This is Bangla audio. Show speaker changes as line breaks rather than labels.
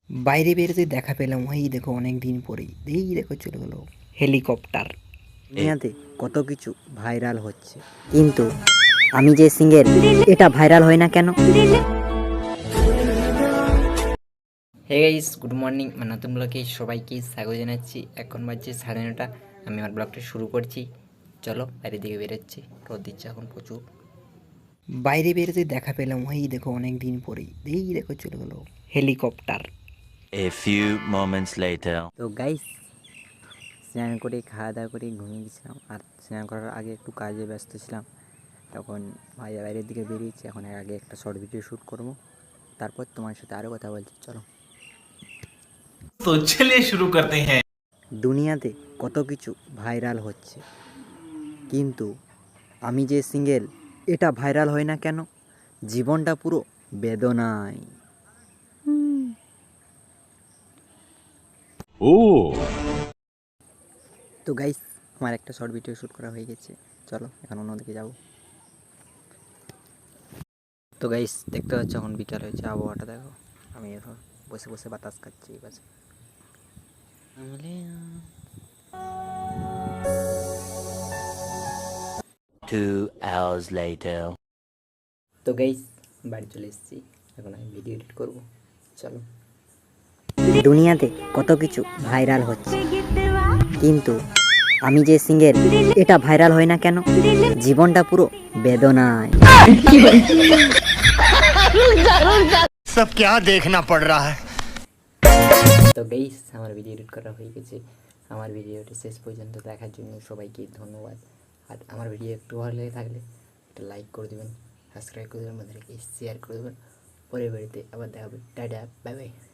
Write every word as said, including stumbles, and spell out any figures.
বাইরে বেরোতে দেখা পেলাম, ওই দেখো অনেক দিন পরেই, এই দেখো চলে গেল হেলিকপ্টার।
দুনিয়াতে কত কিছু ভাইরাল হচ্ছে, কিন্তু আমি যে সিঙ্গেল, এটা ভাইরাল হয় না কেন?
Hey guys, good morning. মানে নতুন ব্লগে সবাইকে স্বাগত জানাচ্ছি। এখন বাজছে সাড়ে নটা। আমি আমার ব্লগটা শুরু করছি। চলো বাইরের দিকে বেরোচ্ছি, রোদ দিচ্ছে এখন প্রচুর। বাইরে বেরোতে দেখা পেলাম, ওই দেখো অনেক দিন পরেই, এই দেখো চলে গেল helicopter.
A few moments later.
তো গাইস, স্নান করে খাওয়া দাওয়া করে ঘুমিয়ে গেছিলাম, আর স্নান করার আগে একটু কাজে ব্যস্ত ছিলাম। তখন ভাই বাইরের দিকে বেরিয়েছি, এখন এর আগে একটা শর্ট ভিডিও শ্যুট করবো, তারপর তোমার সাথে আরও কথা বলছি। চলো।
तो चलिए शुरू करते हैं।
দুনিয়াতে কত কিছু ভাইরাল হচ্ছে, কিন্তু আমি যে সিঙ্গেল, এটা ভাইরাল হয় না কেন? জীবনটা পুরো বেদনায়।
ও
তো গাইস, আমার একটা শর্ট ভিডিও শ্যুট করা হয়ে গেছে, চলো এখন অন্যদিকে যাবো। তো গাইস, দেখতে পাচ্ছ এখন বিকাল হয়েছে, আবহাওয়াটা দেখো। আমি এখন বসে বসে বাতাস খাচ্ছি এই পাশে।
Two hours later.
তো গাইস, বাড়ি চলে এসেছি, এখন আমি ভিডিও এডিট করবো। চলো।
দুনিয়াতে কত কিছু ভাইরাল হচ্ছে, কিন্তু আমি যে সিঙ্গেল, এটা ভাইরাল হয় না কেন? জীবনটা পুরো বেদনায়।
सब क्या देखना पड़ रहा है।
তো গাইস, আমার ভিডিও এডিট করা হয়ে গেছে। আমার ভিডিওটি শেষ পর্যন্ত দেখার জন্য সবাইকে ধন্যবাদ। আর আমার ভিডিও একটু ভালো লেগে থাকলে একটা লাইক করে দেবেন, সাবস্ক্রাইব করে দেবেন, আমাদেরকে শেয়ার করে দেবেন। পরের বাড়িতে আবার দেখা হবে। Tata, bye by.